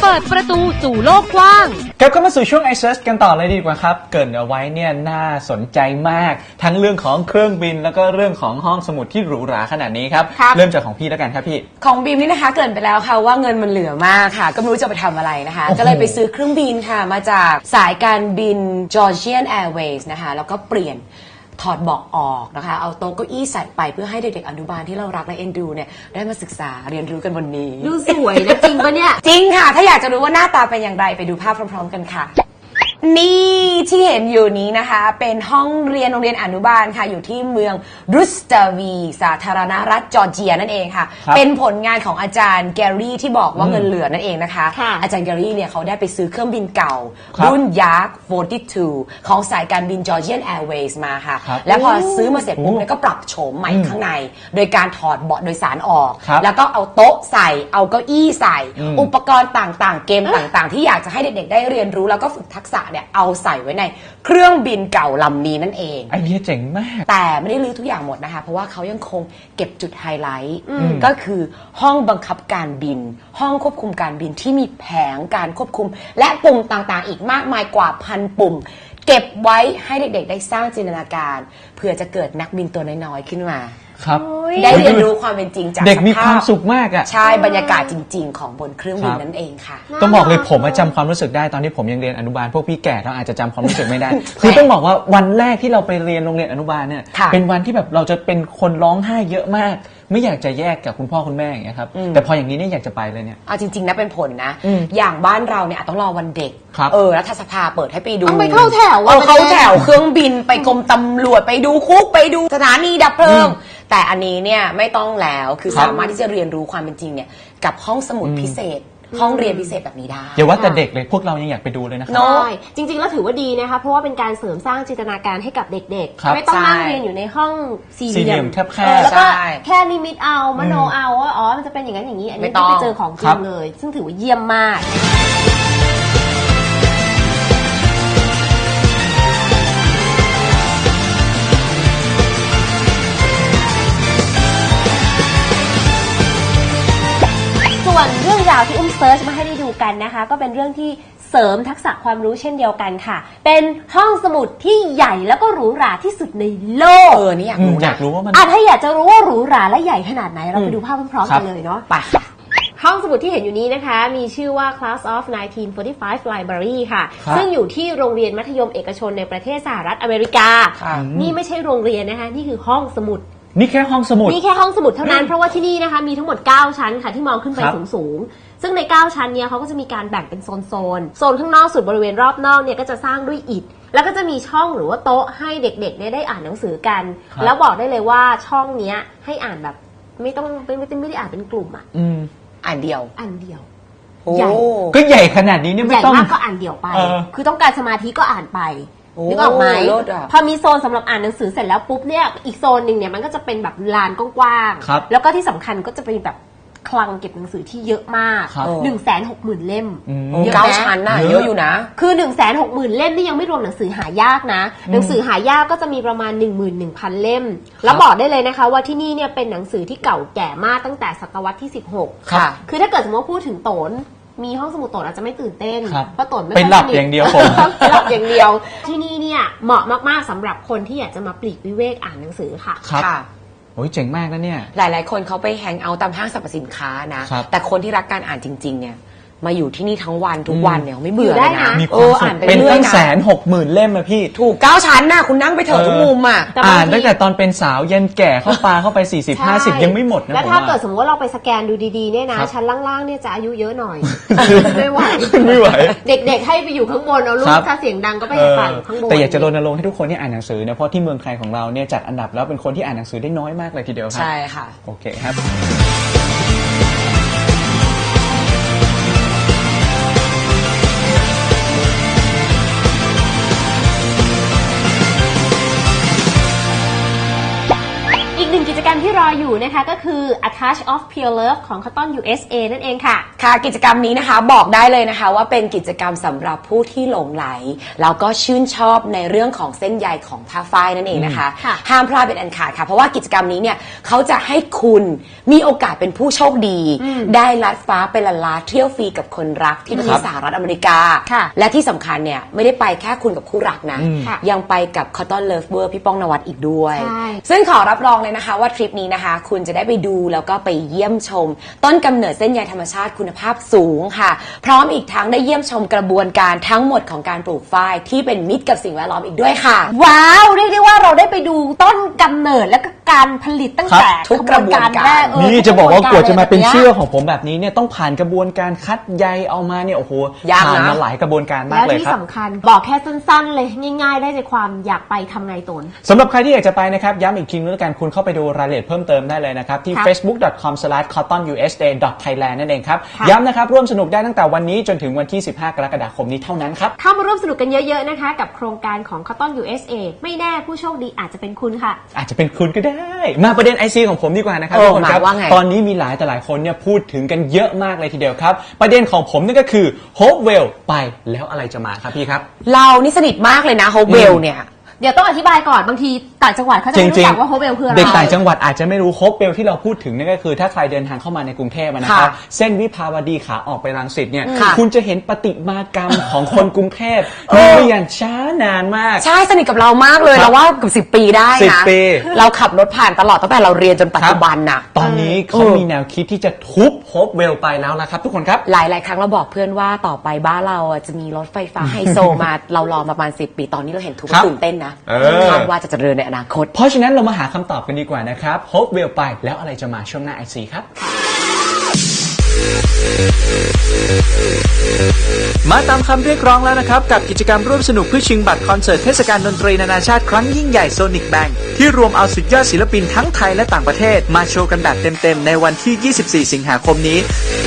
ปิดประตูสู่โลกกว้างกลับเข้ามาสู่ช่วง iSearch กันต่อเลยดีกว่าครับเกริ่นเอาไว้เนี่ยน่าสนใจมากทั้งเรื่องของเครื่องบินแล้วก็เรื่องของห้องสมุดที่หรูหราขนาดนี้ครับเริ่มจากของพี่แล้วกันครับพี่ของบีมนี่นะคะเกริ่นไปแล้วค่ะว่าเงินมันเหลือมากค่ะก็ไม่รู้จะไปทำอะไรนะคะก็เลยไปซื้อเครื่องบินค่ะมาจากสายการบิน Georgian Airways นะคะแล้วก็เปลี่ยนถอดเบาะออกนะคะเอาโต๊ะเก้าอี้ใส่ไปเพื่อให้เด็กๆอนุบาลที่เรารักและเอ็นดูเนี่ยได้มาศึกษาเรียนรู้กันวันนี้ดูสวยนะจริงปะเนี่ยจริงค่ะถ้าอยากจะรู้ว่าหน้าตาเป็นอย่างไรไปดูภาพพร้อมๆกันค่ะนี่ที่เห็นอยู่นี้นะคะเป็นห้องเรียนโรงเรียนอนุบาลค่ะอยู่ที่เมืองรุสตาวีสาธารณรัฐจอร์เจียนั่นเองค่ะเป็นผลงานของอาจารย์แกรี่ที่บอกว่าเงินเหลือนั่นเองนะคะอาจารย์แกรี่เนี่ยเขาได้ไปซื้อเครื่องบินเก่ารุ่นยักษ์42ของสายการบิน Georgian Airways มาค่ะแล้วพอซื้อมาเสร็จปุ๊บเนี่ยก็ปรับโฉมใหม่ข้างในโดยการถอดเบาะโดยสารออกแล้วก็เอาโต๊ะใส่เอาเก้าอี้ใส่อุปกรณ์ต่างๆเกมต่างๆที่อยากจะให้เด็กๆได้เรียนรู้แล้วก็ฝึกทักษะเนี่ยเอาใส่ไว้ในเครื่องบินเก่าลำนี้นั่นเองไอเดียเจ๋งมากแต่ไม่ได้ลื้อทุกอย่างหมดนะคะเพราะว่าเขายังคงเก็บจุดไฮไลท์ก็คือห้องบังคับการบินห้องควบคุมการบินที่มีแผงการควบคุมและปุ่มต่างๆอีกมากมายกว่า1,000 ปุ่มเก็บไว้ให้เด็กๆได้สร้างจินตนาการเผื่อจะเกิดนักบินตัวน้อยๆขึ้นมาครับได้เรียนรู้ความเป็นจริงจากเด็กมีความสุขมากอ่ะใช่บรรยากาศจริงๆของบนเครื่องบินนั่นเองค่ะต้องบอกเลยผมจำความรู้สึกได้ตอนที่ผมยังเรียนอนุบาลพวกพี่แก่เราอาจจะจำความรู้สึกไม่ได้ คือต้องบอกว่าวันแรกที่เราไปเรียนโรงเรียนอนุบาลเนี่ยเป็นวันที่แบบเราจะเป็นคนร้องไห้เยอะมากไม่อยากจะแยกกับคุณพ่อคุณแม่อย่างเงี้ยครับแต่พออย่างนี้เนี่ยอยากจะไปเลยเนี่ยเอาจริงๆนะเป็นผลนะอย่างบ้านเราเนี่ยต้องรอวันเด็กรัฐสภาเปิดให้ไปดูต้องไปเข้าแถวเข้าแถวเครื่องบินไปกรมตำรวจไปดูคุกไปดูสถานีดับเพลิงแต่อันนี้เนี่ยไม่ต้องแล้วคือสามารถที่จะเรียนรู้ความเป็นจริงเนี่ยกับห้องสมุดพิเศษห้องเรียนพิเศษแบบนี้ได้อย่าว่าแต่เด็กเลยพวกเรายังอยากไปดูเลยนะครับใช่จริงๆแล้วถือว่าดีนะคะเพราะว่าเป็นการเสริมสร้างจินตนาการให้กับเด็กๆไม่ต้องนั่งเรียนอยู่ในห้องสี่เหลี่ยมแคบๆแล้วก็แค่ลิมิตเอามโนเอาว่าอ๋อมันจะเป็นอย่างนั้นอย่างนี้อันนี้ไม่ไปเจอของจริงเลยซึ่งถือว่าเยี่ยมมากส่วนเรื่องราวที่เซิร์ชมาให้ได้ดูกันนะคะก็เป็นเรื่องที่เสริมทักษะความรู้เช่นเดียวกันค่ะเป็นห้องสมุดที่ใหญ่แล้วก็หรูหราที่สุดในโลกนี่อยากรู้ว่ามันถ้าอยากจะรู้ว่าหรูหราและใหญ่ขนาดไหนเราไปดูภาพพร้อมๆกันเลยเนาะไปห้องสมุดที่เห็นอยู่นี้นะคะมีชื่อว่า Class of 1945 Library ค่ะซึ่งอยู่ที่โรงเรียนมัธยมเอกชนในประเทศสหรัฐอเมริกานี่ไม่ใช่โรงเรียนนะคะนี่คือห้องสมุดนี่แค่ห้องสมุดนี่แค่ห้องสมุดเท่านั้นเพราะว่าที่นี่นะคะมีทั้งหมด9ชั้นค่ะที่มองขึ้นไปสูงๆซึ่งใน9ชั้นเนี่ยเขาก็จะมีการแบ่งเป็นโซนข้างนอกสุดบริเวณรอบนอกเนี่ยก็จะสร้างด้วยอิฐแล้วก็จะมีช่องหรือว่าโต๊ะให้เด็กๆเนี่ยได้อ่านหนังสือกันแล้วบอกได้เลยว่าช่องเนี้ยให้อ่านแบบไม่ได้อ่านเป็นกลุ่มอ่านเดียวใหญ่ก็ใหญ่ขนาดนี้เนี่ยไม่ต้องใหญ่มากก็อ่านเดี่ยวไปคือต้องการสมาธิก็อ่านไปนึกออกไหมพอมีโซนสำหรับอ่านหนังสือเสร็จแล้วปุ๊บเนี่ยอีกโซนหนึ่งเนี่ยมันก็จะเป็นแบบลานกว้างๆแล้วก็ที่สำคัญก็จะเป็นแบบคลังเก็บหนังสือที่เยอะมาก 160,000 เล่มเยอะนะ9 ชั้นน่ะเยอะอยู่นะคือ 160,000 เล่มนี่ยังไม่รวมหนังสือหายากนะหนังสือหายากก็จะมีประมาณ 11,000 เล่มแล้วบอกได้เลยนะคะว่าที่นี่เนี่ยเป็นหนังสือที่เก่าแก่มากตั้งแต่ศตวรรษที่16ค่ะคือถ้าเกิดสมมติว่าพูดถึงโตนมีห้องสมุดโตนอาจจะไม่ตื่นเต้นเพราะโตนไม่เป็นหลับอย่างเดียวผมเป็นหลับอย่างเดียวที่นี่เนี่ยเหมาะมากๆสำหรับคนที่อยากจะมาปลีกวิเวกอ่านหนังสือค่ะโอ้ยเจ๋งมากนะเนี่ยหลายๆคนเขาไปแฮงเอาท์ตามห้างสรรพสินค้านะแต่คนที่รักการอ่านจริงๆเนี่ยมาอยู่ที่นี่ทั้งวันทุกวันเนี่ยไม่เบื่อเลยนะอ่านเป็นตั้ง160,000 เล่มอะพี่ถูก9 ชั้นน่ะคุณนั่งไปเถอะทุกมุมอ่ะอ่านตั้งแต่ตอนเป็นสาวยันแก่เข้าไป40-50ยังไม่หมดนะแล้วถ้าเกิดสมมติว่าเราไปสแกนดูดีๆเนี่ยนะชั้นล่างๆเนี่ยจะอายุเยอะหน่อยไม่ไหวเด็กๆให้ไปอยู่ข้างบนเอาลูกถ้าเสียงดังก็ไปฟังข้างบนแต่อยากจะรณรงค์ให้ทุกคนที่อ่านหนังสือเนี่ยเพราะที่เมืองไทยของเราเนี่ยจัดอันดับแล้วเป็นคนที่อ่านหนังสือได้น้อยมากเลยทีเดียวครับใช่ค่ะโอเคครับกิจกรรมที่รออยู่นะคะก็คือ A Touch of Pure Love ของ Cotton USA นั่นเองค่ะค่ะกิจกรรมนี้นะคะบอกได้เลยนะคะว่าเป็นกิจกรรมสำหรับผู้ที่หลงไหลแล้วก็ชื่นชอบในเรื่องของเส้นใยของผ้าฝ้ายนั่นเองนะคะห้ามพลาดเป็นอันขาดค่ะเพราะว่ากิจกรรมนี้เนี่ยเขาจะให้คุณมีโอกาสเป็นผู้โชคดีได้ลัดฟ้าไปละลาเที่ยวฟรีกับคนรักที่ประเทศสหรัฐอเมริกาและที่สำคัญเนี่ยไม่ได้ไปแค่คุณกับคู่รักนะยังไปกับ Cotton Lover พี่ป้องนวัดอีกด้วยซึ่งขอรับรองเลยนะคะว่าทริปนี้นะคะคุณจะได้ไปดูแล้วก็ไปเยี่ยมชมต้นกำเนิดเส้นใยธรรมชาติคุณภาพสูงค่ะพร้อมอีกทั้งได้เยี่ยมชมกระบวนการทั้งหมดของการปลูกฝ้ายที่เป็นมิตรกับสิ่งแวดล้อมอีกด้วยค่ะว้าวเรียกได้ว่าเราได้ไปดูต้นกำเนิดและก็การผลิตตั้งแต่ทุกกระบวนการนี่จะบอกว่ากว่าจะมาเป็นเสื้อของผมแบบนี้เนี่ยต้องผ่านกระบวนการคัดใยเอามาเนี่ยโอ้โหผ่านมาหลายกระบวนการมากเลยครับแล้วที่สำคัญบอกแค่สั้นๆเลยง่ายๆได้ใจความอยากไปทำไงตนสำหรับใครที่อยากจะไปนะครับย้ำอีกทีนึงแล้วกันคุณเข้าไปดูรายละเอียดเพิ่มเติมได้เลยนะครับที่ facebook.com/cottonusa.thailand นั่นเองครับย้ำนะครับร่วมสนุกได้ตั้งแต่วันนี้จนถึงวันที่15กรกฎาคมนี้เท่านั้นครับเข้ามาร่วมสนุกกันเยอะๆนะคะกับโครงการของ Cotton USA ไม่แน่ผู้โชคดีอาจจะเป็นคุณค่ะอาจจะเป็นคุณก็ได้มาประเด็น IC ของผมดีกว่านะครับทุกคนครับตอนนี้มีหลายแต่หลายคนเนี่ยพูดถึงกันเยอะมากเลยทีเดียวครับประเด็นของผมนั่นก็คือ Hopewell ไปแล้วอะไรจะมาครับพี่ครับเรานี่สนิทมากเลยนะ Hopewell เนี่ยเดี๋ยวต้องอธิบายก่อนบางทีต่างจังหวัดเขาจะไม่รู้จักว่าโฮเวลคืออะไรเด็กต่างจังหวัดอาจจะไม่รู้โฮเวลที่เราพูดถึงนั่นก็คือถ้าใครเดินทางเข้ามาในกรุงเทพนะครับเส้นวิภาวดีขาออกไปรังสิตเนี่ยคุณจะเห็นประติมากรรมของคนกรุงเทพมีมาอย่างช้านานมากใช่สนิทกับเรามากเลยเราว่าเกือบ10 ปีได้นะเราขับรถผ่านตลอดตั้งแต่เราเรียนจนปัจจุบันน่ะตอนนี้เขามีแนวคิดที่จะทุบโฮเวลไปแล้วนะครับทุกคนครับหลายๆครั้งเราบอกเพื่อนว่าต่อไปบ้านเราจะมีรถไฟฟ้าไฮโซมาเรารอประมาณ10 ปีตอนนี้เราเห็นทุกตื่นเต้นนะว่าจะเจริญในอนาคตเพราะฉะนั้นเรามาหาคำตอบกันดีกว่านะครับ Hopewell ไปแล้วอะไรจะมาช่วงหน้า IC ครับมาตามคำเรียกร้องแล้วนะครับกับกิจกรรมร่วมสนุกเพื่อชิงบัตรคอนเสิร์ตเทศกาลดนตรีนานาชาติครั้งยิ่งใหญ่ Sonic Bank ที่รวมเอาสุดยอดศิลปินทั้งไทยและต่างประเทศมาโชว์กันแบบเต็มๆในวันที่ 24 สิงหาคมนี้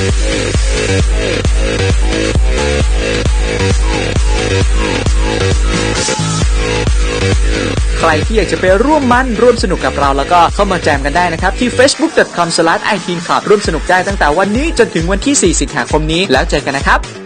ใครที่อยากจะไปร่วมสนุกกับเราแล้วก็เข้ามาแจมกันได้นะครับที่ facebook.com/iteenclub ร่วมสนุกได้ตั้งแต่วันนี้จนถึงวันที่ 4 สิงหาคมนี้แล้วเจอกันนะครับ